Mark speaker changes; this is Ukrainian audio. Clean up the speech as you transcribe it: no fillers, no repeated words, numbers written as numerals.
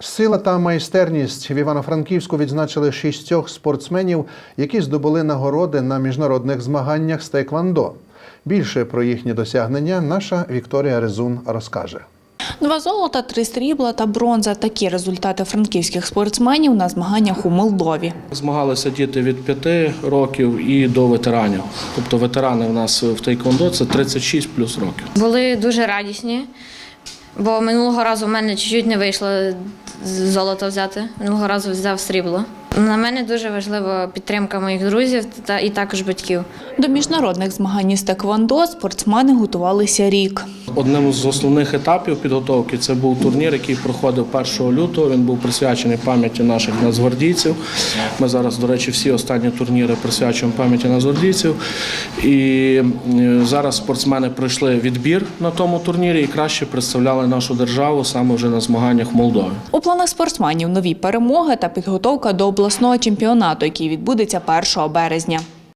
Speaker 1: Сила та майстерність в Івано-Франківську відзначили 6 спортсменів, які здобули нагороди на міжнародних змаганнях з тейквондо. Більше про їхні досягнення наша Вікторія Резун розкаже.
Speaker 2: 2 золота, 3 срібла та бронза – такі результати франківських спортсменів на змаганнях у Молдові.
Speaker 3: Змагалися діти від 5 років і до ветеранів. Тобто ветерани в нас в тейквондо – це 36 плюс років.
Speaker 4: Були дуже радісні, бо минулого разу в мене чуть-чуть не вийшло золото взяти, минулого разу взяв срібло. На мене дуже важлива підтримка моїх друзів і також батьків.
Speaker 2: До міжнародних змагань із тейквондо спортсмени готувалися рік.
Speaker 3: Одним з основних етапів підготовки це був турнір, який проходив 1 лютого. Він був присвячений пам'яті наших нацгвардійців. Ми зараз, до речі, всі останні турніри присвячуємо пам'яті нацгвардійців. І зараз спортсмени пройшли відбір на тому турнірі і краще представляли нашу державу саме вже на змаганнях в Молдові.
Speaker 2: У планах спортсменів нові перемоги та підготовка до обласного чемпіонату, який відбудеться 1 березня.